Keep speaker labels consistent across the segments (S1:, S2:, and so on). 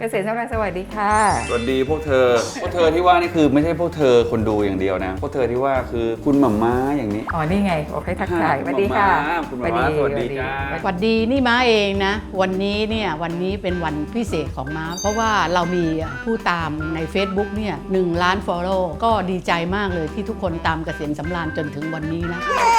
S1: เกษตรสำราญสวัสดีค่ะ
S2: สวัสดีพวกเธอที่ว่านี่คือไม่ใช่พวกเธอคนดูอย่างเดียวนะพวกเธอที่ว่าคือคุณหม่าม้าอย่างนี้
S1: อ๋อนี่ไงโอเคทักทายสวัสดีค่ะ
S2: คุณหม่าม้าสวัสดีจ้า
S3: สวัสดีนี่ม้าเองนะวันนี้เป็นวันพิเศษของม้าเพราะว่าเรามีผู้ตามใน Facebook เนี่ย1 ล้าน follow ก็ดีใจมากเลยที่ทุกคนตามเกษตรสำราญจนถึงวันนี้นะ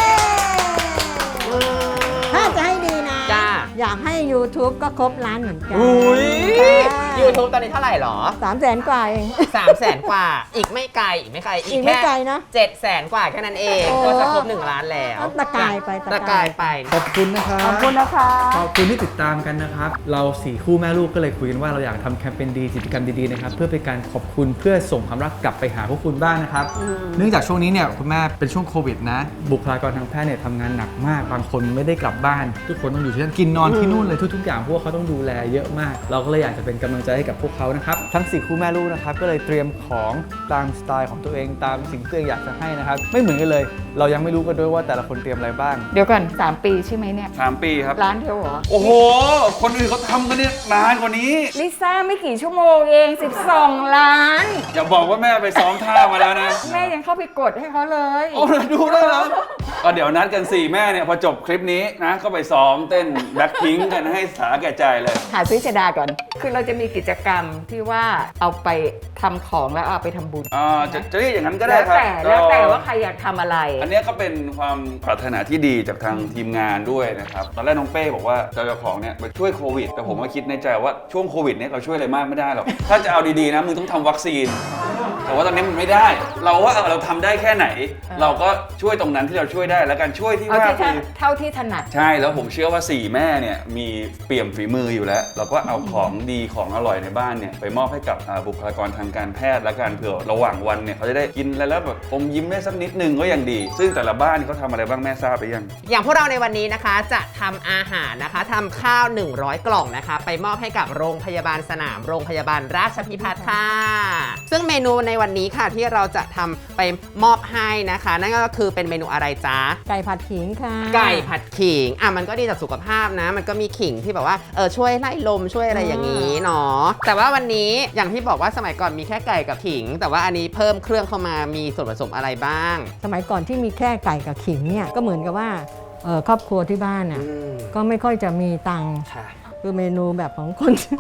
S4: ถ้าจะให้ดีนะ
S3: จ้า
S4: อยากให้ YouTube ก็ครบล้านเหมือนกัน
S5: อุ้ย YouTube ตอนนี้เท่าไหร่หรอ
S4: 300,000 กว่าเอง
S5: 300,000 กว่า อีกไม่ไกล อีกไม่
S4: ไกลนะ
S5: 700,000 กว่าแค่นั้นเอง
S4: โอ้
S5: ก็จะครบ1 ล้านแล้ว
S4: ตะกายไป
S5: ตะกายไป
S6: ขอบคุณนะครับ
S1: ขอบคุณนะคะ
S6: ขอบคุณที่ติดตามกันนะครับ เรา4คู่แม่ลูกก็เลยคุยกันว่าเราอยากทำแคมเปญดีกิจกรรมดีๆนะครับเพื่อเป็นการขอบคุณเพื่อส่งความรักกลับไปหาพวกคุณบ้างนะครับเนื่องจากช่วงนี้เนี่ยคุณแม่เป็นช่วงโควิดนะบุคลากรทางแพทย์เนี่ยทำงานหนักมากบางคนไม่ได้กลับบ้านทุกคนต้องอยู่ที่นั่นกินนอนที่นู่นเลยทุกๆอย่างพวกเขาต้องดูแลเยอะมาก เราก็เลยอยากจะเป็นกำลังใจให้กับพวกเขานะครับทั้ง4คู่แม่ลูกนะครับก็เลยเตรียมของตามสไตล์ของตัวเองตามสิ่งที่ตัวเองอยากจะให้นะครับไม่เหมือนกันเลยเรายังไม่รู้กันด้วยว่าแต่ละคนเตรียมอะไรบ้าง
S1: เดี๋ยวก่อน3 ปีใช่ไหมเนี่ย
S2: 3 ปีครับ
S1: ร้านเดียวเหรอ
S2: โอ้โหคนอื่นเขาทำกันเนี่ยนานกว่านี้
S1: ลิซ่าไม่กี่ชั่วโมงเอง12 ล้าน
S2: อย่าบอกว่าแม่ไปซ้อมท่ามาแล้วนะ
S1: แม่ยังเข้าไปกดให้เขาเลย
S2: โอ้ดูได้แล้วก็เดี๋ยวนัดกัน4แม่เนี่ยพอจบคลิปนี้นะก็ไปซ้อมเต้นแบ็คพิงค์กันให้สาแก่ใจเลย
S1: หาซื้อชดาก่อน คือเราจะมีกิจกรรมที่ว่าเอาไปทำของแล้วเอาไปทำบุญ
S2: จะเรียกอย่างนั้นก็ได้ครับ
S1: แล้วแต่ว่าใครอยากทำอะไร
S2: อันนี้ก็เป็นความปรารถนาที่ดีจากทางทีมงานด้วยนะครับตอนแรกน้องเป้บอกว่าเจ้าของเนี่ยไปช่วยโควิดแต่ผมก็คิดในใจว่าช่วงโควิดเนี่ยเราช่วยอะไรมากไม่ได้หรอกถ้าจะเอาดีๆนะมึงต้องทำวัคซีนแต่ว่าตอนนี้มันไม่ได้ เราว่าเราทำได้แค่ไหน เราก็ช่วยตรงนั้นที่เราช่วยได้แล้วกันช่วยที่ว่าคือ
S1: เท่าที่ถนัด
S2: ใช่แล้วผมเชื่อว่า4แม่เนี่ยมีเปี่ยมฝีมืออยู่แล้ว เราก็เอาของดีของอร่อยในบ้านเนี่ยไปมอบให้กับบุคลากรทางการแพทย์และการเผื่อระหว่างวันเนี่ยเขาจะได้กินแล้วแบบอมยิ้มได้สักนิดนึงก็ยังดี ซึ่งแต่ละบ้านเขาทำอะไรบ้างแม่ทราบหรือยัง
S5: อย่างพวกเราในวันนี้นะคะจะทำอาหารนะคะทำข้าว100 กล่องนะคะไปมอบให้กับโรงพยาบาลสนามโรงพยาบาลราชพิพัฒน์ค่ะซึ่งเมนูในวันนี้ค่ะที่เราจะทำไปมอบให้นะคะนั่นก็คือเป็นเมนูอะไรจ๊ะ
S4: ไก่ผัดขิงค่ะ
S5: ไก่ผัดขิงมันก็ดีต่อสุขภาพนะมันก็มีขิงที่แบบว่าช่วยไล่ลมช่วยอะไรอย่างนี้เนาะแต่ว่าวันนี้อย่างที่บอกว่าสมัยก่อนมีแค่ไก่กับขิงแต่ว่าอันนี้เพิ่มเครื่องเข้ามามีส่วนผสมอะไรบ้าง
S4: สมัยก่อนที่มีแค่ไก่กับขิงเนี่ยก็เหมือนกับว่าครอบครัวที่บ้านน่ะก็ไม่ค่อยจะมีตังค์คือเมนูแบบของคน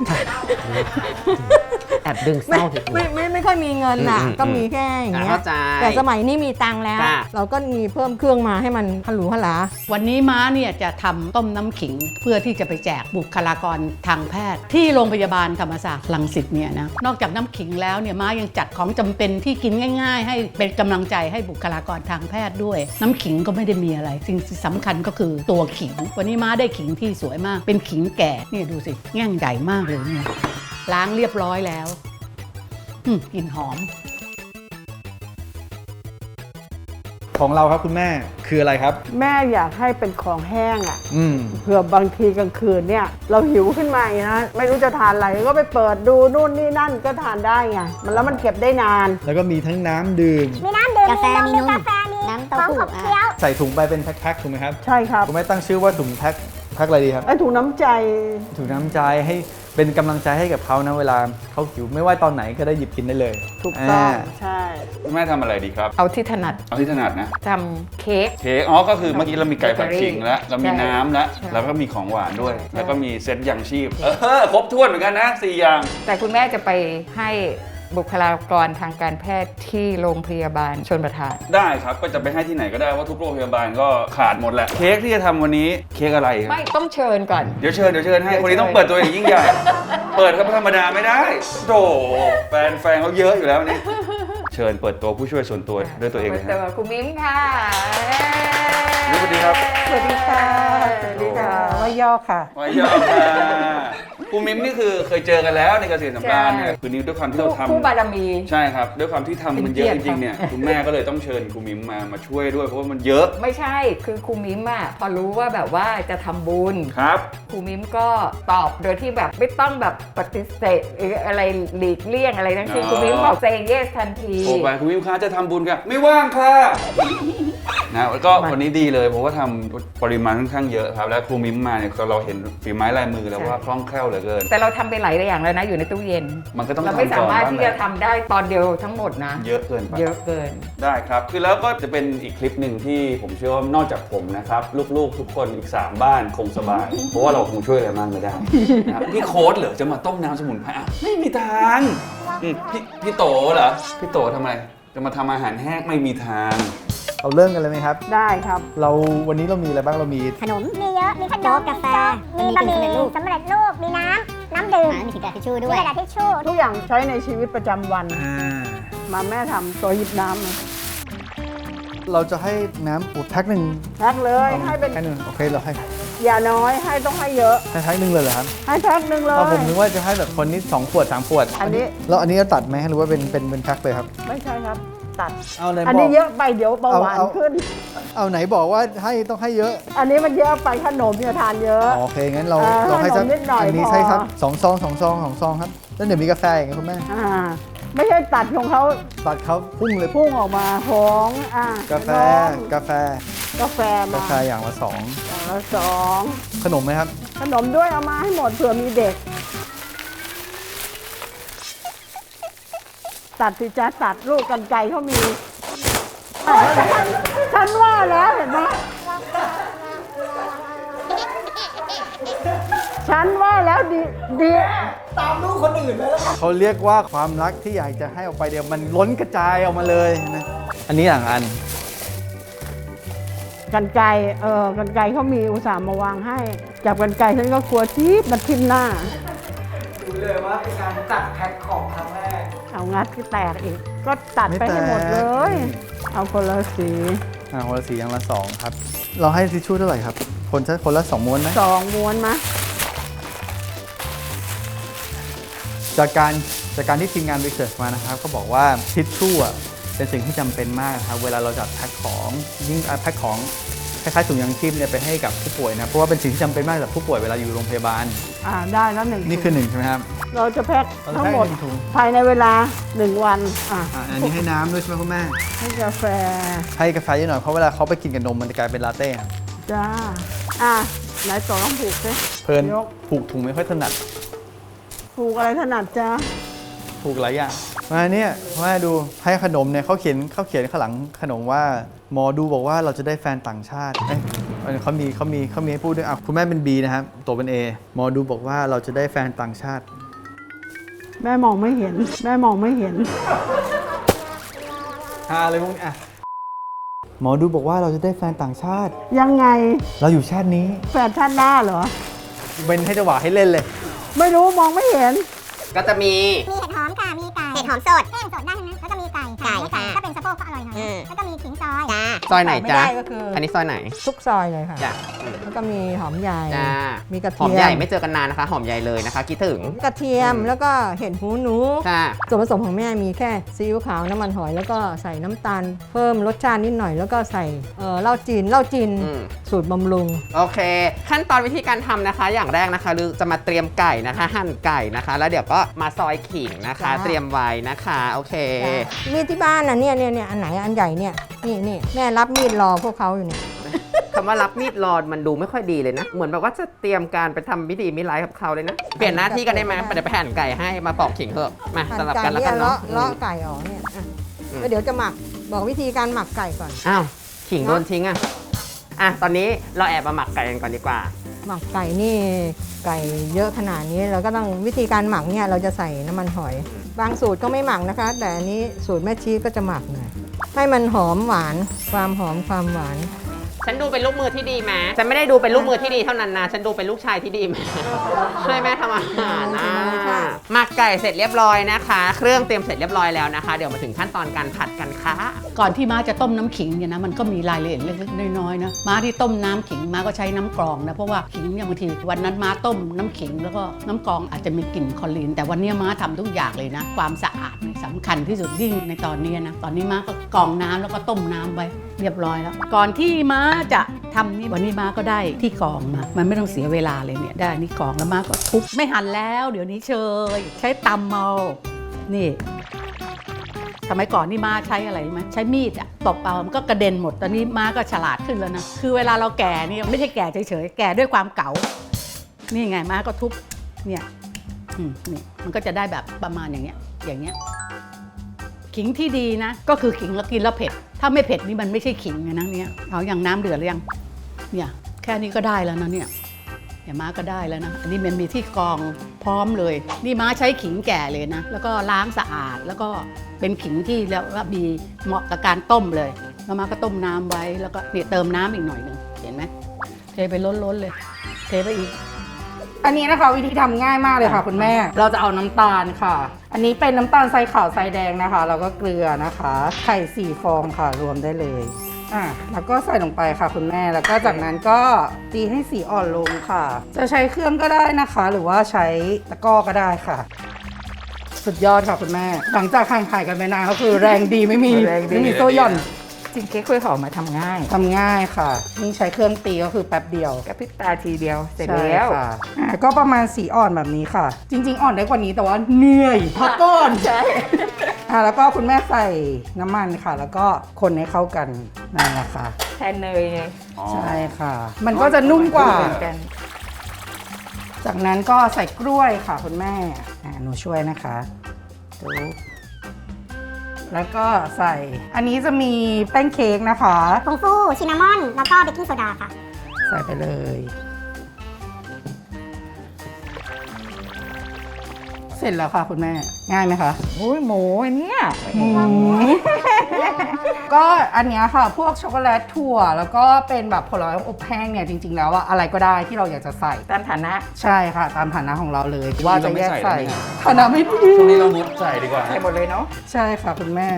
S5: แอบดึงเศร้าถึง
S4: ไม่ค่อยมีเงินน่ะก็มีแค่อย่างเงี้ยแต่สมัยนี้มีตังค์แล้วเราก็มีเพิ่มเครื่องมาให้มันพลุหลา
S3: วันนี้ม้าเนี่ยจะทำต้มน้ำขิงเพื่อที่จะไปแจกบุคลากรทางแพทย์ที่โรงพยาบาลธรรมศาสตร์รังสิตเนี่ยนะนอกจากน้ำขิงแล้วเนี่ยม้ายังจัดของจำเป็นที่กินง่ายๆให้เป็นกำลังใจให้บุคลากรทางแพทย์ด้วยน้ำขิงก็ไม่ได้มีอะไรสิ่งสำคัญก็คือตัวขิงวันนี้ม้าได้ขิงที่สวยมากเป็นขิงแก่เนี่ยดูสิแง่งใหญ่มากเลยเนี่ยล้างเรียบร้อยแล้วกลิ่นหอม
S6: ของเราครับคุณแม่คืออะไรครับ
S7: แม่อยากให้เป็นของแห้งอ่ะเผื่อบางทีกลางคืนเนี่ยเราหิวขึ้นมานะไม่รู้จะทานอะไรก็ไปเปิดดูนู่นนี่นั่นก็ทานได้ไงแล้วมันเก็บได้นาน
S6: แล้วก็มีทั้งน้ำดื่ม
S4: มีน้ำดื่มกาแฟมีนมน้ำเต้าหู้
S6: ใส่ถุงไปเป็นแพ็คๆถูกไหมครับ
S7: ใช่ครับ
S6: คุณแม่ตั้งชื่อว่าถุงแพ็คอะไรดีครับ
S7: ถุงน้ำใจ
S6: ถุงน้ำใจให้เป็นกำลังใจให้กับเขานะเวลาเขาหิวไม่ว่าตอนไหนก็ได้หยิบกินได้เลย
S7: ถูกต้องใช่
S2: แม่ทำอะไรดีครับ
S1: เอาที่ถนัด
S2: นะ
S1: ทำเค้ก
S2: ก็คือเมื่อกี้เรามีไก่ผัดขิงแล้วเรามีน้ำแล้วก็มีของหวานด้วยแล้วก็มีเซตยังชีพครบถ้วนเหมือนกันนะ4อย่าง
S1: แต่คุณแม่จะไปให้บุคลากรทางการแพทย์ที่โรงพยาบาลชลประทาน
S2: ได้ครับก็จะไปให้ที่ไหนก็ได้ว่าทุกโรงพยาบาลก็ขาดหมดแหละเค้กที่จะทำวันนี้เค้กอะไร
S1: ไม่ต้องเชิญก่อน
S2: เดี๋ยวเชิญให้คนนี้ต้องเปิดตัวอย่างยิ่งใหญ่เปิดครับธรรมดาไม่ได้โธ่แฟนเขาเยอะอยู่แล้วนี่เชิญเปิดตัวผู้ช่วยส่วนตัวด้วยตัวเองเลย
S1: ครับคุณมิ้มค่ะ
S2: สวัสดีครับ
S7: สวัสดีค่ะว่าย่อค่ะ
S2: คุณมิ้มนี่คือเคยเจอกันแล้วในเกษตรสำราญเนี่ยคือนี้ด้วยความที่เราทำ
S1: คู่บารมี
S2: ใช่ครับด้วยความที่ทำมันเยอะจริงๆเนี่ยคุณแม่ก็เลยต้องเชิญคุณมิ้มมาช่วยด้วยเพราะว่ามันเยอะ
S1: ไม่ใช่คือครูมิ้มอะพอรู้ว่าแบบว่าจะทำบุญ
S2: ครับ
S1: ครูมิ้มก็ตอบโดยที่แบบไม่ต้องแบบปฏิเสธหรืออะไรหลีกเลี่ยงอะไรทั้งสิ้นครูมิ้มบอก say yes ทันที
S2: โอ้ไปคุณมิ้มคะจะทำบุญกันไม่ว่างค่ะนะแล้วก็วันนี้ดีเลยเพราะว่าทำปริมาณค่อนข้างเยอะครับและครูมิ้มมาเนี่ยเราเห็นฝีไม้ลายมือแล้วว่าคล่องแคล่วเหลือเกิน
S1: แต่เราทำไปหลายอย่างแล้วนะอยู่ในตู้เย็น
S2: มันก็ต้อง
S1: เราไม่
S2: ทำ
S1: สา
S2: ก่อน
S1: มารถ
S2: บ้าง
S1: ที่
S2: แห
S1: จะ
S2: ละ
S1: ทำได้ตอนเดียวทั้งหมดนะ
S2: เยอะเกินไป
S1: เยอะเกิน
S2: ได้ครับคือแล้วก็จะเป็นอีกคลิปหนึ่งที่ผมเชื่อว่านอกจากผมนะครับลูกๆทุกคนอีก3บ้านคงสบาย เพราะว่าเราคงช่วยอะไรมากไม่ได้นะครับพี่โค้ดเหรอจะมาต้มน้ำสมุนไพรอ่ะไม่มีทางพี่โตเหรอพี่โตทำไมจะมาทำอาหารแห้งไม่มีทาง
S6: เราเริ่มกันเลยไหมครับ
S7: ได้ครับ
S6: วันนี้เรามีอะไรบ้างเรามี
S8: ขนมมีเยอะ มีขนมกาแฟ มีบะหมี่สำเร็จรูป มีน้ำดื่ม มีกระดาษทิชชู่ด้วย มีกระดาษทิชชู่
S7: ทุกอย่างใช้ในชีวิตประจำวัน
S6: อ่า
S7: แม่ทำตัวหยิบน้ำมา
S6: เราจะให้น้ำแพ็คหนึ่ง
S7: แพ็คเลยให้เป็น
S6: แพ็คหนึ่งโอเคเราให้
S7: อย่าน้อยให้ต้องให้เยอะ
S6: ให้แพ็คหนึ่งเลยเหรอครับ
S7: ให้แพ็คหนึ่งเล
S6: ผม
S7: ย
S6: นึกว่าจะให้แบบคนนี้2 ขวด 3 ขวด
S7: อันนี้
S6: แล้วอันนี้จะตัดไหมหรือว่าเป็นแพ็คเลยครับ
S7: ไม่ใช่ครับ ตัด
S6: เอาไหน
S7: อัน
S6: บอ
S7: นี้
S6: ก
S7: เยอะไปเดี๋ยวเบาหวานขึ้น
S6: เอาไหนบอกว่าต้องให้เยอะ
S7: อันนี้มันเยอะไปขนมเนี่ยทานเยอะ
S6: โอเคงั้นเรา
S7: ให้
S6: ให้สัก
S7: ขนมนิดหน่อย
S6: อันนี้
S7: พอ
S6: ใช่ครับ2 ซองครับแล้วเดี๋ยวมีกาแฟอย่างเงี้ยคุณแม่
S7: ไม่ใช่ตัดของเขา
S6: ตัดเขาพุ่งเลย
S7: พุ่งออกมาของ
S6: กาแฟ
S7: กาแฟมา
S6: อย่างละ
S7: อย่างละสอง
S6: 2ขนมไหมครับ
S7: ขนมด้วยเอามาให้หมดเผื่อมีเด็ก ตัดสิจ้าตัดลูกกันไกรเขามีฉันว่าแล้วเห็นไหมฉันว่าแล้วดี
S6: เขาเรียกว่าความรักที่อยากจะให้ออกไปเดียวมันล้นกระจายออกมาเลยนะอันนี้อย่างอัน
S7: กันไกรกันไกรเขามีอุตส่าห์มาวางให้จับกันไกรฉันก็กลัวทีบมันทิ่มหน้า
S6: ดูเลยว่าเป็นการตัดแพ็คของครั้งแรก
S7: เอางัดก็แตกอีก ก็ตัดไปให้หมดเลย เอาคนละสี
S6: คนละสีอย่างละ2ครับเราให้ทิชชู่เท่าไหร่ครับคนละ2 ม้วนไหม
S7: 2 ม้วนมะ
S6: จากการที่ทีมงานรีเสิร์ชมานะครับก็บอกว่าทิชชู่อ่ะเป็นสิ่งที่จำเป็นมากนะครับเวลาเราจัดแพ็คของยิ่งแพ็คของคล้ายๆถุงยางชีพเนี่ยไปให้กับผู้ป่วยนะเพราะว่าเป็นสิ่งที่จำเป็นมากสำหรับผู้ป่วยเวลาอยู่โรงพยาบาล
S7: ได้แล้ว1
S6: นี่คือ1ใช่ไหมครับ
S7: เราจะแพ็คทั้งหมด
S6: เราจะแพ็ค1 ถุง
S7: ภายในเวลา 1 วัน
S6: อันนี้ให้น้ำด้วยใช่ไหมคุณแม่
S7: ให้กาแฟ
S6: ให้กาแฟเยอะหน่อยเพราะเวลาเขาไปกินกับนมมันจะกลายเป็นลาเต้ครับ
S7: จ้าไหนต่อต้องผูกสิ
S6: เพลิน
S7: ยก
S6: ผูกถุงไม่ค่อยถนัด
S7: ผูกอะไรถนัดจ้า
S6: ผูกหลายอย่างมาเนี่ยมาดูให้ขนมเนี่ยเขาเขียนข้างหลังขนมว่าหมอดูบอกว่าเราจะได้แฟนต่างชาติเขามีให้พูดด้วยคุณแม่เป็น B นะครับตัวเป็น A หมอดูบอกว่าเราจะได้แฟนต่างชาติ
S7: แม่มองไม่เห็น
S6: อะไรพวกนี้หมอดูบอกว่าเราจะได้แฟนต่างชาติ
S7: ยังไง
S6: เราอยู่ชาตินี้
S7: แฟนชาติหน้าเหรอ
S6: เป็นให้จังหวะให้เล่นเลย
S7: ไม่รู้มองไม่เห็น
S5: ก็จะมี
S8: มีเห็ดหอมค่ะ มีไก่ เห็ดหอมสดแห้งสดได้ทั้งนั้นแล้วก็มีไก่ค่ะถ้าเป็นสะโพกก็อร่อยหน่อย แล้วก็มีขิงซอยจ้า
S5: ซอยไหนจ๊ะ
S4: ไม่ได้ก็คืออั
S5: อันนี้ซอยไหน
S4: ทุกซอยเลยค่ะ
S5: จ้ะ
S4: แล้วก็มีหอมใหญ่
S5: จ้า
S4: มีกระ
S5: หอ
S4: เที
S5: ม
S4: ย
S5: ใหญ่
S4: ม
S5: ไม่เจอกันนานนะคะ หอมใหญ่เลยนะคะคิดถึง
S4: กระเทียมแล้วก็เห็ดหูหนู
S5: ค่ะ
S4: ส่วนผสมของแม่มีแค่ซีอิ๊วขาวน้ำมันหอยแล้วก็ใส่น้ำตาลเพิ่มรสชาตินิดหน่อย แล้วก็ใส่เหล้าจีน
S5: อืม
S4: สูตรบำรุง
S5: โอเค ขั้นตอนวิธีการทำนะคะ อย่างแรกนะคะลือจะมาเตรียมไก่นะคะ หั่นไก่นะคะ แล้วเดี๋ยวก็มาซอยขิงนะคะ
S4: จ้า
S5: เตรียมไว้นะคะ โอเค
S4: มีดที่บ้านนะเนี่ยอันไหนอันใหญ่เนี่ยนี่แม่รับมีดรอพวกเขาอยู่เนี่ย
S5: คำว่ารับมีดรอนมันดูไม่ค่อยดีเลยนะ เหมือนแบบว่าจะเตรียมการไปทำพิธีมิตรไลฟ์กับเขาเลยนะ เปลี่ยนหน้าที่กันได้ไหมเดี๋ยวไปหั่นไก่ให้มาปอกขิงเถอะ มา
S4: หั่น
S5: สลับ
S4: ไก่
S5: กันแล้ว
S4: เนี่
S5: กั
S4: ย
S5: นเนาะ
S4: เลาะไก่ออกเนี่ยแล้วเดี๋ยวจะหมักบอกวิธีการหมักไก่ก่อน
S5: อ้าวขิงโดนทิ้งอ่ะตอนนี้เราแอบมาหมักไก่กันก่อนดีกว่า
S4: หมักไก่นี่ไก่เยอะขนาดนี้เราก็ต้องวิธีการหมักเนี่ยเราจะใส่น้ำมันหอย บางสูตรก็ไม่หมักนะคะ แต่อันนี้สูตรแม่ชีก็จะหมักหน่อยให้มันหอมหวานความหอมความหวาน
S5: ฉันดูเป็นลูกมือที่ดีไหมฉันไม่ได้ดูเป็นลูกมือที่ดีเท่านั้นนะ ฉันดูเป็นลูกชายที่ดีไหม ช่วยแม่ทำอาหารนะหมักไก่เสร็จเรียบร้อยนะคะ เครื่องเตรียมเสร็จเรียบร้อยแล้วนะคะ เดี๋ยวมาถึงขั้นตอนการผัดกันค่ะ
S3: ก่อนที่ม้าจะต้มน้ำขิงเนี่ยนะมันก็มีรายละเอียดเล็กๆน้อยๆนะม้าที่ต้มน้ำขิงม้าก็ใช้น้ำกรองนะเพราะว่าขิงเนี่ยบางทีวันนั้นม้าต้มน้ำขิงแล้วก็น้ำกรองอาจจะมีกลิ่นคลอรีนแต่วันนี้ม้าทำทุกอย่างเลยนะความสะอาดเนี่ยสำคัญที่สุดยิ่งในตอนนี้นะตอนนี้ม้าก็กรองน้ำแล้วก็ต้มน้ำไว้เรียบร้อยแล้วก่อนที่ม้าจะทำนี่วันนี้ม้าก็ได้ที่กรองมามันไม่ต้องเสียเวลาเลยเนี่ยได้นี่กรองแล้วม้าก็ทุบไม่หั่นแล้วเดี๋ยวนี้เชยใช้ตำเมานี่สมัยก่อนนี่ม้าใช้อะไรรู้ไหมใช้มีดอะตบเอามันก็กระเด็นหมดตอนนี้ม้าก็ฉลาดขึ้นแล้วนะคือเวลาเราแก่นี่ไม่ใช่แก่เฉยๆแก่ด้วยความเก๋านี่ไงม้าก็ทุบเนี่ยนี่มันก็จะได้แบบประมาณอย่างเงี้ยขิงที่ดีนะก็คือขิงแล้วกินแล้วเผ็ดถ้าไม่เผ็ดนี่มันไม่ใช่ขิงนะเนี่ยเอาอย่างน้ำเดือดหรือยังเนี่ยแค่นี้ก็ได้แล้วนะเนี่ยม้าก็ได้แล้วนะอันนี้มันมีที่กรองพร้อมเลยนี่ม้าใช้ขิงแก่เลยนะแล้วก็ล้างสะอาดแล้วก็เป็นขิงที่แล้วว่ามีเหมาะกับการต้มเลยแล้วม้าก็ต้มน้ำไว้แล้วก็เนี่ยเติมน้ำอีกหน่อยหนึ่งเห็นไหมเทไปล้นๆเลยเทไปอีก
S9: อันนี้นะคะวิธีทำง่ายมากเลยค่ะคุณแม่ เราจะเอาน้ำตาลค่ะ อันนี้เป็นน้ำตาลทรายขาวทรายแดงนะคะแล้วก็เกลือนะคะไข่4 ฟองค่ะรวมได้เลยแล้วก็ใส่ลงไปค่ะคุณแม่แล้วก็จากนั้นก็ตีให้สีอ่อนลงค่ะ จะใช้เครื่องก็ได้นะคะ หรือว่าใช้ตะกร้อก็ได้ค่ะ สุดยอดค่ะคุณแม่ หลังจากห่างหายกันไปนานก็คือแรงดีไม่มีโซ่หย่อน
S1: จริงเค้กกล้วยหอมมาทำง่าย
S9: ทำง่ายค่ะนี่ใช้เครื่องตีก็คือแป๊บเดียว
S1: กระพริบตาทีเดียวเสร็จ
S9: ใช่
S1: แล้ว
S9: ค่ะก็ประมาณสีอ่อนแบบนี้ค่ะ จริง ๆ อ่อนได้กว่านี้แต่ว่าเหนื่อยพักก่อนใช่แล้วก็คุณแม่ใส่น้ำมันค่ะ แล้วก็คนให้เข้ากันนั่นแหละค่ะ
S1: แทนเนยไง
S9: ใช่ค่ะ มันก็จะนุ่มกว่า
S1: เหมือนกัน
S9: จากนั้นก็ใส่กล้วยค่ะคุณแม่หนูช่วยนะคะดูแล้วก็ใส่อันนี้จะมีแป้งเค้กนะคะ
S8: ผงฟูชินนามอน แล้วก็เบกกิ้งโซดาค่ะ
S9: ใส่ไปเลย เสร็จแล้วค่ะคุณแม่ง่ายไหมคะ
S1: โอ้ยหมูอันเนี้ย
S9: ก็อันเนี้ยค่ะพวกช็อกโกแลตถั่วแล้วก็เป็นแบบผลไม้อบแห้งเนี่ยจริงๆแล้วอะอะไรก็ได้ที่เราอยากจะใส่
S1: ตามฐานะ
S9: ใช่ค่ะตามฐานะของเราเลย
S2: ว่าจะไม่ใส่
S9: ใส่
S2: แล้วเนี่ย
S9: ฐานะไม่ดี
S2: ช่วงนี้เรางดใส่ดีกว่า
S1: ใส่หมดเลยเนาะ
S9: ใช่ค่ะคุณแม่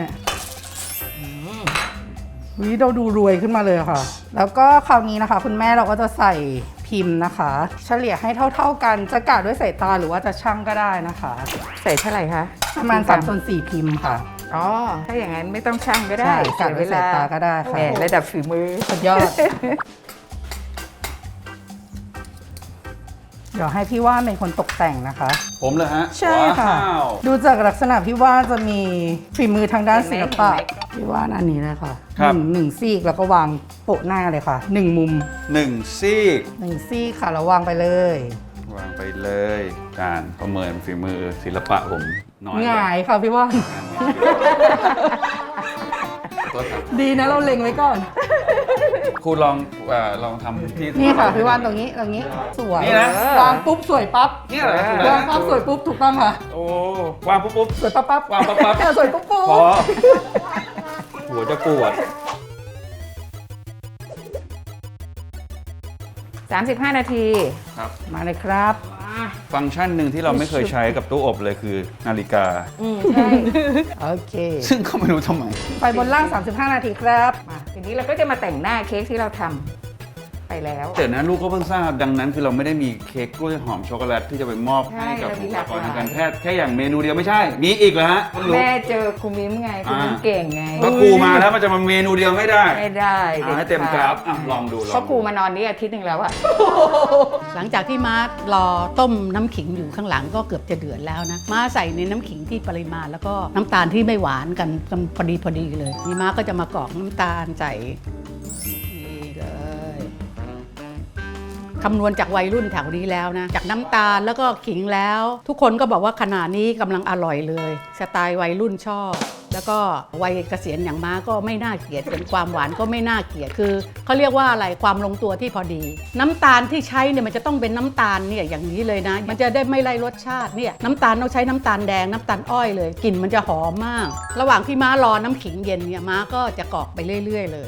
S9: วิเราดูรวยขึ้นมาเลยค่ะ แล้วก็คราวนี้นะคะคุณแม่เราก็จะใส่พิมพ์นะคะ เฉลี่ยให้เท่าๆกันจะกะด้วยสายตาหรือว่าจะชั่งก็ได้นะคะ
S1: ใส่เท่าไหร่คะ
S9: ประมาณ3/4 พิมพ์ค่ะ
S1: อ๋อ ถ้าอย่างนั้นไม่ต้องชั่งก็ได้
S9: ใช่กะด้วยสายตาก็ได้ค่ะ
S1: แหมระดับฝีมือ
S9: สุดยอด เดี๋ยวให้พี่ว่านเป็นคนตกแต่งนะคะ
S2: ผมเลยฮะ
S9: ใช่ค่ะ
S2: ว้าว
S9: ดูจากลักษณะพี่ว่านจะมีฝีมือทางด้านศิลปะ
S1: เห็นไหม
S9: พี่ว่านอันนี้เลยค่ะ
S2: ครับ
S9: หนึ่งซีกแล้วก็วางโปะหน้าเลยค่ะ1 มุม
S2: 1 ซีก
S9: 1 ซีกค่ะแล้ววางไปเลย
S2: วางไปเลยการประเมินฝีมือศิลปะผมน้อย
S9: หงายค่ะพี่ว่าน
S2: ตัวครับ
S9: ดีนะเราเล็งไว้ก่อน
S2: ครูลองทำที่
S9: นี่ค่ะพี่ว่านตรงนี้สวย
S2: นี่นะ
S9: วางปุ๊บสวยปั๊บ
S2: เนี่ยเหรอ
S9: วางปั๊บสวยปุ๊บถูกต้องค่ะ
S2: โอ้วางปุ๊บ
S9: สวยปั๊บปั๊บ
S2: วางปั๊บปั๊บ
S9: สวยปุ๊บปุ๊บ
S2: พอหัวจะปวด
S1: 35 นาที
S2: ครับ
S9: มาเลยครับ
S2: ฟังก์ชันหนึ่งที่เราไม่เคยใช้กับตู้อบเลยคือนาฬิกา
S1: ใช่
S9: โอเค
S2: ซึ่งก็ไม่รู้ทำไม
S9: ไฟบนล่าง 35 นาทีครับ
S1: มาทีนี้เราก็จะมาแต่งหน้าเค้กที่เราทำไปแล้ว
S2: แต่นะลูกก็เพิ่งทราบดังนั้นคือเราไม่ได้มีเค้กกล้วยหอมช็อกโกแลตที่จะไปมอบ
S1: ใช่
S2: ให้กับ
S1: เรามี
S2: บุคลากร
S1: หลากหลาย
S2: ทางการแพทย์แค่อย่างเมนูเดียวไม่ใช่ มีอีกเหรอฮะคุณลูก
S1: แม่เจอครูมิ้มไงครูมิ้มเก่งไง
S2: ก็ครูมาแล้วมันจะมาเมนูเดียวไม่ได้
S1: ไม่ได้
S2: เอาให้เต็มกราฟอ่ะลองดู
S1: เพราะครูมานอนนี่อาทิตย์หนึงแล้วอะ
S3: หลังจากที่ม้ารอต้มน้ำขิงอยู่ข้างหลังก็เกือบจะเดือดแล้วนะม้าใส่ในน้ำขิงที่ปริมาณแล้วก็น้ำตาลที่ไม่หวานกันพอดีเลยนี่ม้าก็จะมากรอกน้ำตาลใส่นี่เลยคำนวณจากวัยรุ่นแถวนี้แล้วนะจากน้ำตาลแล้วก็ขิงแล้ว ทุกคนก็บอกว่าขนาดนี้กำลังอร่อยเลยสไตล์วัยรุ่นชอบ แล้วก็วัยเกษียณอย่างม้าก็ไม่น่าเกลียดเป็นความหวานก็ไม่น่าเกลียดคือเขาเรียกว่าอะไรความลงตัวที่พอดี น้ำตาลที่ใช้เนี่ยมันจะต้องเป็นน้ำตาลเนี่ยอย่างนี้เลยนะ มันจะได้ไม่ไล่รสชาติเนี่ยน้ำตาลต้องใช้น้ำตาลแดงน้ำตาลอ้อยเลยกลิ่นมันจะหอมมาก ระหว่างที่ม้ารอน้ำขิงเย็นเนี่ยม้าก็จะกรอกไปเรื่อยๆเลย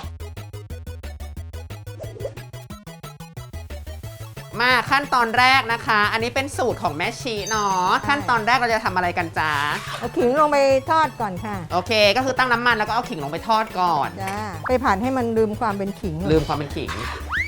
S5: มาขั้นตอนแรกนะคะ อันนี้เป็นสูตรของแม่ชีเนาะขั้นตอนแรกเราจะทำอะไรกันจ๊ะ
S4: เอาขิงลงไปทอดก่อนค่ะ
S5: โอเค ก็คือตั้งน้ำมันแล้วก็เอาขิงลงไปทอดก่อน
S4: จ้าไปผ่านให้มันลืมความเป็นขิง
S5: ลืมความเป็นขิง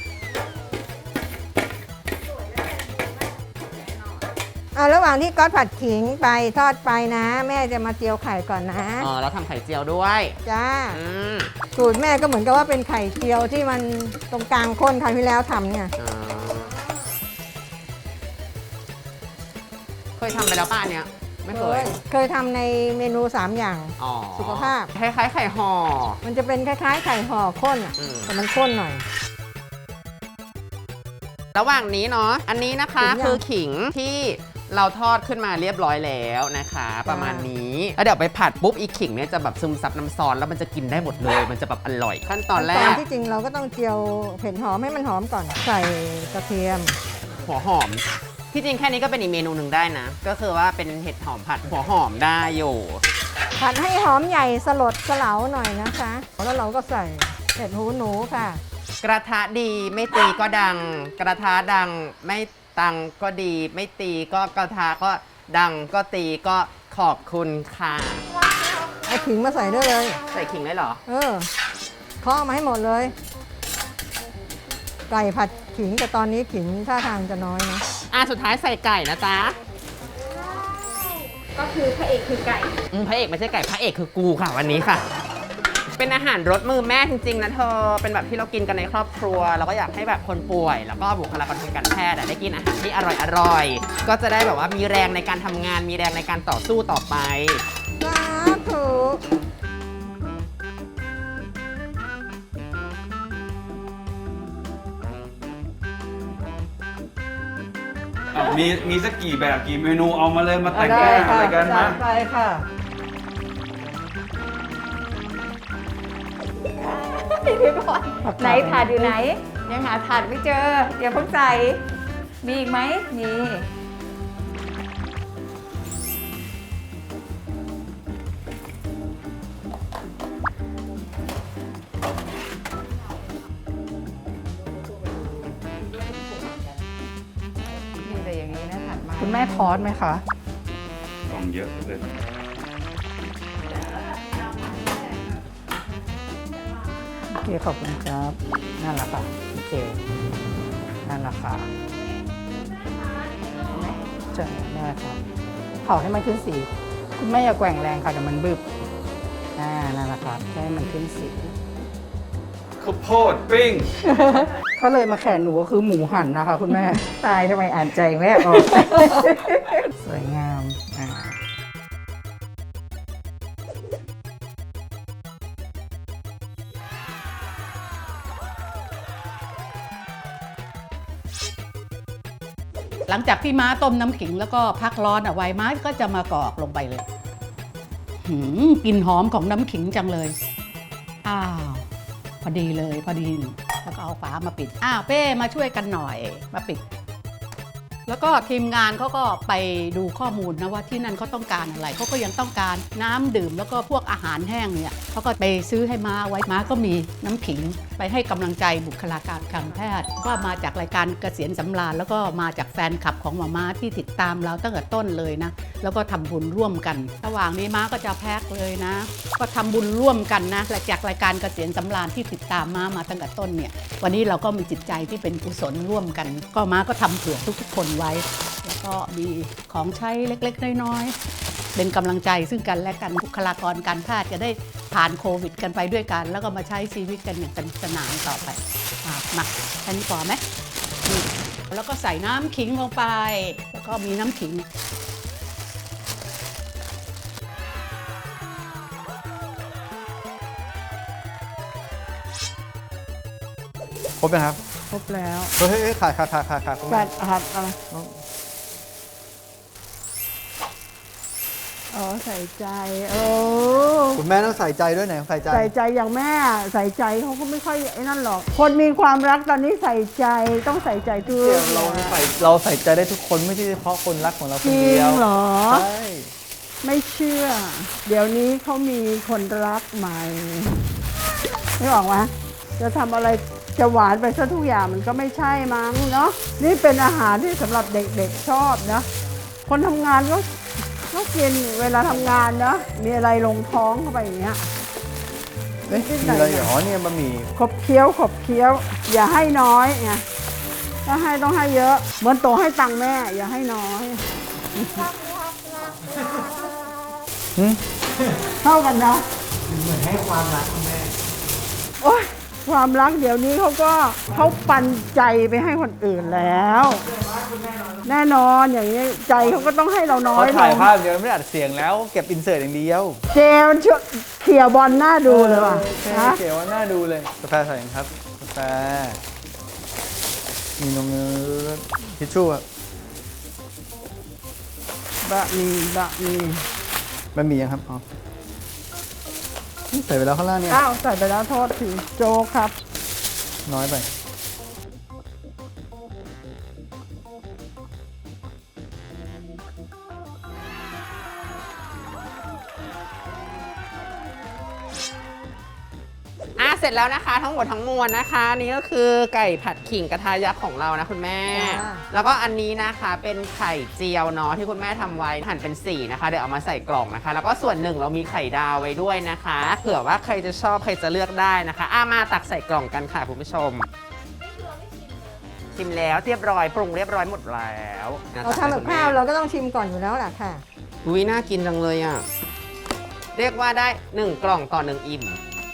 S4: ระหว่างที่ก๊อตผัดขิงไปทอดไปนะ แม่จะมาเจียวไข่ก่อนนะ
S5: อ๋อแล้วทำไข่เจียวด้วย
S4: จ้า
S5: อืม
S4: สูตรแม่ก็เหมือนกับว่าเป็นไข่เจียวที่มันตรงกลางข้นคราวที่แล้วทำเนี่ย
S5: อ๋อเคยทำไปแล้วป่ะอันเนี้ยไม่เคย
S4: เคยทำในเมนู 3 อย่าง
S5: อ๋อ
S4: สุขภาพ
S5: คล้ายๆไข่ห่อ
S4: มันจะเป็นคล้ายๆไข่ห่อข้นอ่ะ
S5: อืม
S4: แต่มันข้นหน่อย
S5: ระหว่างนี้เนาะอันนี้นะคะ
S4: ขิงยัง
S5: คือขิงที่เราทอดขึ้นมาเรียบร้อยแล้วนะคะ
S4: จ้า
S5: ประมาณนี้แล้วเดี๋ยวไปผัดปุ๊บอีกขิงเนี่ยจะแบบซึมซับน้ำซอสแล้วมันจะกินได้หมดเลย มันจะแบบอร่อย ขั้นตอนแร
S4: ตอน
S5: ก
S4: ที่จริงเราก็ต้องเจียวเผ็ดหอมให้มันหอมก่อน ใส่กระเทียม
S5: หัวหอม ที่จริงแค่นี้ก็เป็นอีกเมนูหนึ่งได้นะ ก็คือว่าเป็นเห็ดหอมผัดหัวหอมได้อยู่
S4: ผัดให้หอมใหญ่สลดสลาหน่อยนะคะ แล้วเราก็ใส่เห็ดหูหนูค่ะ
S5: กระทะดีไม่ตีก็ดัง กระทะดังไม่ตังก็ดี ไม่ตีก็กระทะก็ดังก็ตีก็ขอบคุณค่ะ
S4: เอาขิงมาใส่ด้วยเลย
S5: ใส่ขิงได้เหรอ
S4: เคาะมาให้หมดเลย ไก่ผัดขิงแต่ตอนนี้ขิงท่าทางจะน้อยนะ
S5: สุดท้ายใส่ไก่นะจ๊ะ
S8: ก็คือพระเอกคือไก่
S5: พระเอกไม่ใช่ไก่พระเอกคือกูค่ะวันนี้ค่ะ เป็นอาหารรสมือแม่จริงๆนะเธอ เป็นแบบที่เรากินกันในครอบครัว เราก็อยากให้แบบคนป่วย แล้วก็บุคลากรทางการแพทย์ได้กินอาหารที่อร่อยๆ ก็จะได้แบบว่ามีแรงในการทำงาน มีแรงในการต่อสู้ต่อไป
S4: สาธุ
S2: มีสักกี่แบบกี่เมนูเอามาเลยมาแต่งหน้าอะไรกันนะ
S9: ไปค่ะ
S1: ไหนถาดอยู่ไหน ยังหาถาดไม่เจอ เดี๋ยวเพิ่งใส่มีอีกไหมมีมีแต่อย่างนี้นะถัดมา
S9: คุณแม่ทอดไหมคะ
S2: ของเยอะเลย
S9: โอเค ขอบคุณครับ นั่นแหละค่ะ โอเค นั่นแหละค่ะใช่ได้ครับเผาให้มันขึ้นสี คุณแม่อย่าแกว่งแรงค่ะเดี๋ยวมันบึบนั่นแหละครับแค่ให้มันขึ้นสี
S2: ข้าวโพดปิ้ง
S9: ถ้าเลยมาแขนหนูก็คือหมูหันนะคะ คุณแม่ ตายทำไมอ่านใจแม่ออก สวยงามหลังจากที่ม้าต้มน้ำขิงแล้วก็พักร้อนเอาไว้ม้าก็จะมากรอกลงไปเลยกลิ่นหอมของน้ำขิงจังเลย อ้าว พอดีเลยพอดี แล้วก็เอาฝามาปิด เป้มาช่วยกันหน่อยมาปิด แล้วก็ทีมงานเขาก็ไปดูข้อมูลนะว่าที่นั่นเขาต้องการอะไรเขาก็ยังต้องการน้ำดื่มแล้วก็พวกอาหารแห้งเนี่ยเขาก็ไปซื้อให้ม้าไว้ม้าก็มีน้ำขิงไปให้กำลังใจบุคลากรทางแพทย์ว่ามาจากรายการเกษียณสำราญแล้วก็มาจากแฟนคลับของหมอม้าที่ติดตามเราตั้งแต่ต้นเลยนะแล้วก็ทำบุญร่วมกันระหว่างนี้ม้าก็จะแพ็คเลยนะก็ทำบุญร่วมกันนะจากรายการเกษียณสำราญที่ติดตามม้ามาตั้งแต่ต้นเนี่ยวันนี้เราก็มีจิตใจที่เป็นกุศลร่วมกันก็ม้าก็ทำเผื่อทุกๆคนไว้แล้วก็มีของใช้เล็กๆน้อยๆเป็นกำลังใจซึ่งกันและกันบุคลากรการแพทย์จะได้ผ่านโควิดกันไปด้วยกันแล้วก็มาใช้ชีวิตกันอย่างสนุกสนานต่อไปมาแค่นี้พอไหมนี่แล้วก็ใส่น้ำขิงลงไปแล้วก็มีน้ำขิง
S6: ครบไหมครับ
S9: ครบแล้ว
S6: เฮ้ยขาดคุณ
S9: แบ
S6: แม่
S9: ตหัดอะไรใส่ใจ
S6: คุณแม่ต้องใส่ใจด้วยไหนใส่ใจ
S7: ใส่ใจอย่างแม่ใส่ใจเขาก็ไม่ค่อยไอ้นั่นหรอก คนมีความรักตอนนี้ใส่ใจต้องใส่ใจทุก
S6: เราใส่ใจได้ทุกคนไม่ใช่เฉพาะคนรักของเราค
S7: จ
S6: น
S7: ริ
S6: เดีย
S7: ง
S6: ว
S7: เหรอ
S6: ใช่
S7: ไม่เชื่อ เดี๋ยวนี้เขามีคนรักใหม่ไม่บอกว่าจะทำอะไรจะหวานไปซะทุกอย่างมันก็ไม่ใช่มั้งเนาะนี่เป็นอาหารที่สำหรับเด็กๆชอบนะคนทำงานก็กินเวลาทำงานเนาะมีอะไรลงท้องเข้าไปอย่างเงี้ย
S6: เอ๊ะมีอะไรเหรอเนี่ยบะหมี่
S7: ขบเคี้ยวอย่าให้น้อยไงถ้าให้ต้องให้เยอะเหมือนโตให้ตังค์แม่อย่าให้น้อยเท่ากันนะเหมือนให้ความรักแม่โอ๊ยความรักเดี๋ยวนี้เขาปันใจไปให้คนอื่นแล้วแน่นอนอย่างนี้ใจเขาก็ต้องให้เราน้อ
S6: เขา
S7: ยล
S6: ถ่าย
S7: ง
S6: ภาพเดียวไม่ได้อัดเสียงแล้วเก็บอินเสิร์ตอย่างเดียว
S7: เจมันช่วยเขี่ยบอลหน้าดูเลยว่ะ
S6: ใช่
S7: ฮะ
S6: เก๋ว่าน่าดูเลยกาแฟใส่ยังครับกาแฟมีนมทิชชู่ครับ
S7: บะหมี่
S6: บะหมี่ยังครับอ๋อใส่ไปแล้วข้างล่างเนี่ย
S7: อ้าวใส่ไปแล้วโทษทีโจ๊กครับ
S6: น้อยไป
S5: เสร็จแล้วนะคะทั้งหมดทั้งมวลนะคะนี่ก็คือไก่ผัดขิงกระทะยักษ์ของเรานะคุณแม่
S4: จ้า
S5: แล้วก็อันนี้นะคะเป็นไข่เจียวเนาะที่คุณแม่ทำไว้หั่นเป็น4นะคะเดี๋ยวเอามาใส่กล่องนะคะ แล้วก็ส่วนหนึ่งเรามีไข่ดาวไว้ด้วยนะคะเผื่อว่าใครจะชอบใครจะเลือกได้นะคะมาตักใส่กล่องกันค่ะคุณผู้ชมชิมแล้วเรียบร้อยปรุงเรียบร้อยหมดแล้ว
S4: เราทำกับข้าวเราก็ต้องชิมก่อนอยู่แล้วแหละค่ะ
S5: อุ้ยน่ากินจังเลยอ่ะเรียกว่าได้1กล่องต่อ1อิ่ม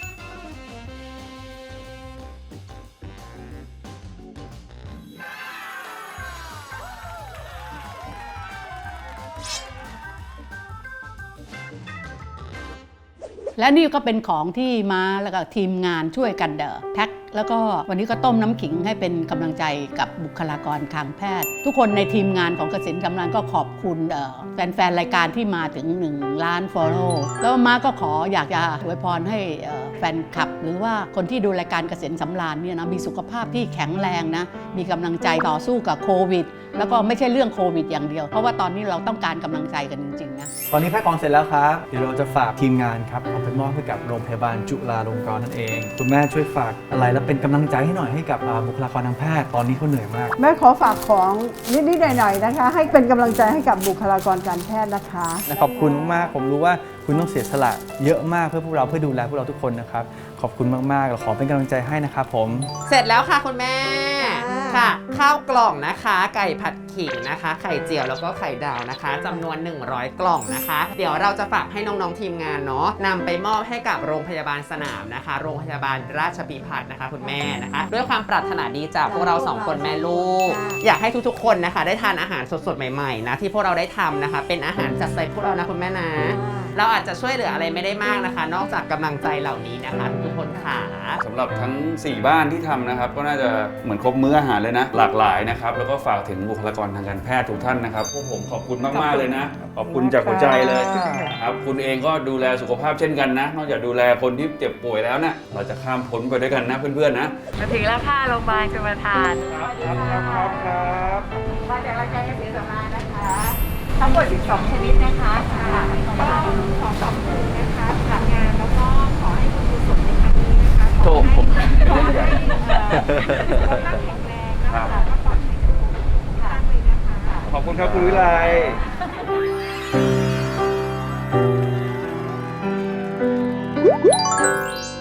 S3: และนี่ก็เป็นของที่ม้าแล้วก็ทีมงานช่วยกันแพ็คแล้วก็วันนี้ก็ต้มน้ำขิงให้เป็นกำลังใจกับบุคลากรทางแพทย์ ทุกคนในทีมงานของเกษตรกำลังก็ขอบคุณแฟนๆรายการที่มาถึง1 ล้าน follow แล้วม้าก็อยากจะอวยพรให้แฟนคลับ หรือว่าคนที่ดูรายการเกษตรสำราญเนี่ยนะมีสุขภาพที่แข็งแรงนะมีกำลังใจต่อสู้กับโควิดแล้วก็ไม่ใช่เรื่องโควิดอย่างเดียวเพราะว่าตอนนี้เราต้องการกำลังใจกันจริงๆนะ
S6: ตอนนี้แพ็คของเสร็จแล้วครับ เดี๋ยวเราจะฝากทีมงานครับเอาไปมอบให้กับโรงพยาบาลจุฬาลงกรณ์นั่นเอง คุณแม่ช่วยฝากอะไรแล้วเป็นกำลังใจให้หน่อยให้กับบุคลากรทางแพทย์ตอนนี้เขาเหนื่อยมาก
S7: แม่ขอฝากของนิดๆหน่อยๆนะคะ ให้เป็นกำลังใจให้กับบุคลากรการแพทย์นะคะ
S6: ขอบคุณมากผมรู้ว่าคุณต้องเสียสละเยอะมากเพื่อพวกเราเพื่อดูแลพวกเราทุกคนนะครับขอบคุณมากๆเราขอเป็นกำลังใจให้นะครับผม
S5: เสร็จแล้วค่ะคุณแม่
S4: ค่ะ
S5: ค่ะ ข้าวกล่องนะคะ ไก่ผัดขิงนะคะ ไข่เจียวแล้วก็ไข่ดาวนะคะจำนวน100 กล่องนะคะ เดี๋ยวเราจะฝากให้น้องๆทีมงานเนาะนำไปมอบให้กับโรงพยาบาลสนามนะคะ โรงพยาบาลราชภิพัฒน์นะคะคุณแม่นะคะ ด้วยความปรารถนาดีจากพวกเรา2คนแม่ลูก อยากให้ทุกๆคนนะคะ ได้ทานอาหารสดๆใหม่ๆนะที่พวกเราได้ทำนะคะ เป็นอาหารจัดใส่พวกเรานะคุณแม่นะ เราอาจจะช่วยเหลืออะไรไม่ได้มากนะคะ นอกจากกำลังใจเหล่านี้นะคะทุกคนค่ะ
S2: สำหรับทั้ง 4 บ้านที่ทำนะครับ ก็น่าจะเหมือนครบมื้ออาหารเลยนะ หลากหลายนะครับ แล้วก็ฝากถึงบุคลากรทางการแพทย์ทุกท่านนะครับพวกผมขอบคุณมากๆเลยนะ ขอบคุณจากหัวใจเลยครับคุณเองก็ดูแลสุขภาพเช่นกันนะ นอกจากดูแลคนที่เจ็บป่วยแล้วนะเราจะข้ามพ้นไปด้วยกันนะเพื่อนๆนะ
S1: มาถึงแล้วค่ะโรงพยาบาลชลประทาน
S2: ครับ
S1: มาจากรายการเกษตรสำราญนะคะ ทั้งหมด12ชนิดนะคะก็ขอขอบคุณนะคะสำหรับงานแล้วก็ขอให้คุณกุศลในครั้งนี้นะคะ
S2: โถผม
S1: ขอให้สุขภาพแข็งแรงนะคะแล้วก็ปลอดภัยทุกท่านเลยนะคะ
S2: ขอบคุณครับคุณวิไล